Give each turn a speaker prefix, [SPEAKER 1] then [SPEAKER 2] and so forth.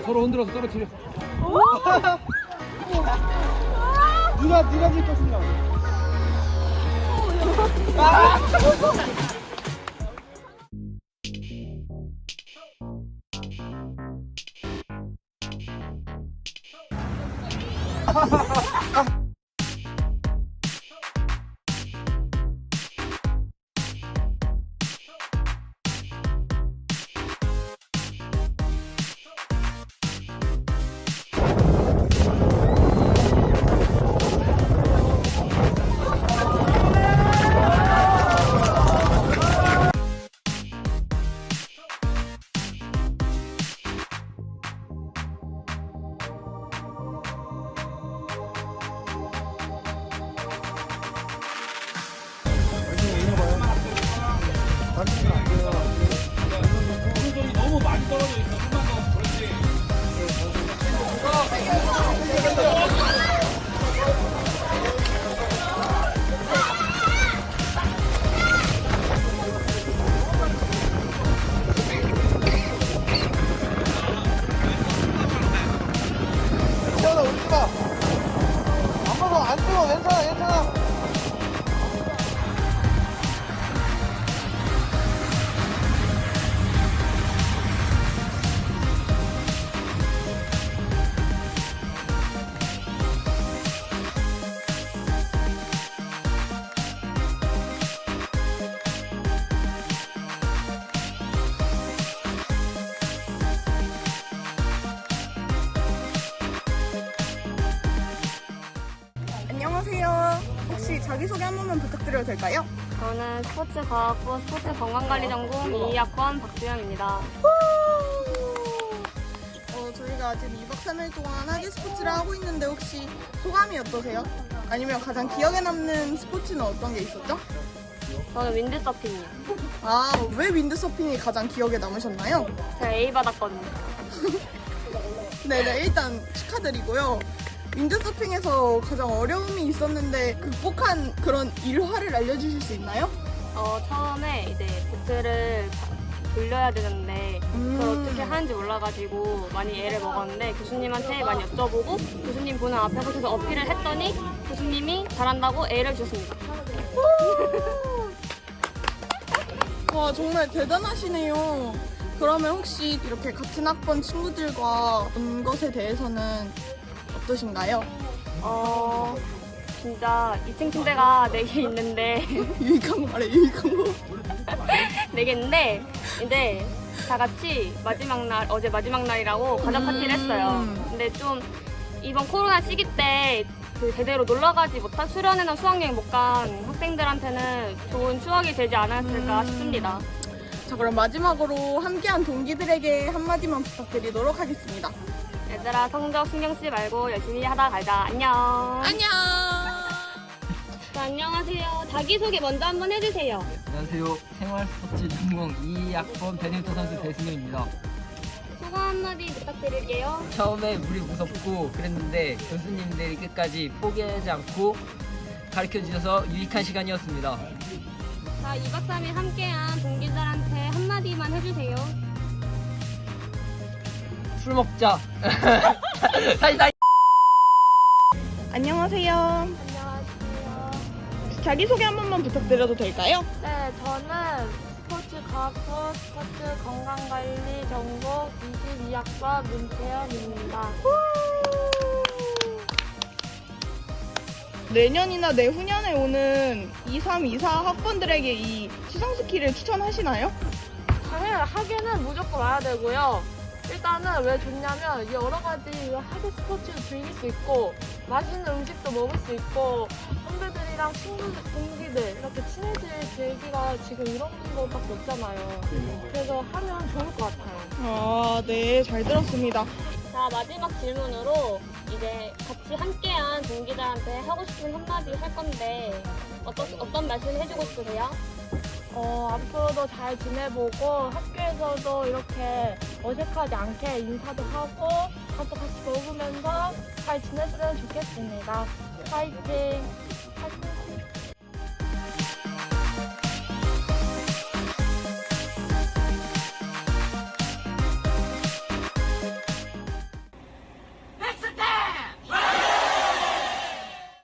[SPEAKER 1] 서로 흔들어서 떨어뜨려.
[SPEAKER 2] 누가 질 것인가?
[SPEAKER 1] 오른손이 너무 많이 떨어져 있어. 좀만 더. 그렇지.
[SPEAKER 2] 태연아 울지 마. 안 먹어 안 뜨거 괜찮아 괜찮아.
[SPEAKER 3] 안녕하세요. 혹시 자기소개 한 번만 부탁드려도 될까요?
[SPEAKER 4] 저는 스포츠과학부 스포츠건강관리전공 2학번 박주영입니다.
[SPEAKER 3] 저희가 지금 2박 3일 동안 하계 스포츠를 하고 있는데 혹시 소감이 어떠세요? 아니면 가장 기억에 남는 스포츠는 어떤 게 있었죠?
[SPEAKER 4] 저는 윈드서핑이요.
[SPEAKER 3] 아, 왜 윈드서핑이 가장 기억에 남으셨나요?
[SPEAKER 4] 제가 A 받았거든요.
[SPEAKER 3] 네네, 일단 축하드리고요. 윈드서핑에서 가장 어려움이 있었는데 극복한 그런 일화를 알려주실 수 있나요?
[SPEAKER 4] 처음에 이제 보트를 돌려야 되는데 그걸 어떻게 하는지 몰라가지고 많이 애를 먹었는데 교수님한테 많이 여쭤보고 교수님 보는 앞에서 계속 어필을 했더니 교수님이 잘한다고 A를 주셨습니다.
[SPEAKER 3] 와, 정말 대단하시네요. 그러면 혹시 이렇게 같은 학번 친구들과 온 것에 대해서는 어떠신가요?
[SPEAKER 4] 진짜 2층 침대가 4개 있는데
[SPEAKER 3] 유익한 거 말해, 유익한 거.
[SPEAKER 4] 4개 있는데 이제 다 같이 어제 마지막 날이라고 가족 파티를 했어요. 근데 좀 이번 코로나 시기 때 그 제대로 놀러 가지 못한 수련회나 수학여행 못 간 학생들한테는 좋은 추억이 되지 않았을까 싶습니다.
[SPEAKER 3] 자, 그럼 마지막으로 함께한 동기들에게 한마디만 부탁드리도록 하겠습니다.
[SPEAKER 4] 얘들아 성적 신경 쓰지 말고 열심히 하다 가자. 안녕.
[SPEAKER 3] 안녕!
[SPEAKER 4] 네, 안녕하세요. 자기소개 먼저 한번 해주세요.
[SPEAKER 5] 안녕하세요. 생활스포츠 전공 2학번 배드민턴 선수 배승현입니다.
[SPEAKER 4] 소감 한마디 부탁드릴게요.
[SPEAKER 5] 처음에 물이 무섭고 그랬는데 교수님들이 끝까지 포기하지 않고 가르쳐 주셔서 유익한 시간이었습니다.
[SPEAKER 4] 자, 2박 3일 함께한 동기들한테 한마디만 해주세요.
[SPEAKER 5] 술 먹자. 다시.
[SPEAKER 3] 안녕하세요.
[SPEAKER 4] 안녕하세요.
[SPEAKER 3] 자기소개 한 번만 부탁드려도 될까요?
[SPEAKER 4] 네, 저는 스포츠과학부 스포츠건강관리 전공 22학번 문채연입니다.
[SPEAKER 3] 내년이나 내후년에 오는 23, 24 학번들에게 이 시상스키를 추천하시나요?
[SPEAKER 6] 당연히 하계는 무조건 와야 되고요. 일단은 왜 좋냐면 여러 가지 하계 스포츠를 즐길 수 있고 맛있는 음식도 먹을 수 있고 선배들이랑 친구들, 동기들 이렇게 친해질 계기가 지금 이런 것밖에 없잖아요. 그래서 하면 좋을 것 같아요.
[SPEAKER 3] 아, 네, 잘 들었습니다.
[SPEAKER 4] 자, 마지막 질문으로 이제 같이 함께한 동기들한테 하고 싶은 한마디 할 건데 어떤 말씀 해주고 싶으세요?
[SPEAKER 6] 앞으로도 잘 지내보고 학교에서도 이렇게 어색하지 않게 인사도 하고 밥도 같이 먹으면서 잘 지냈으면 좋겠습니다. 파이팅!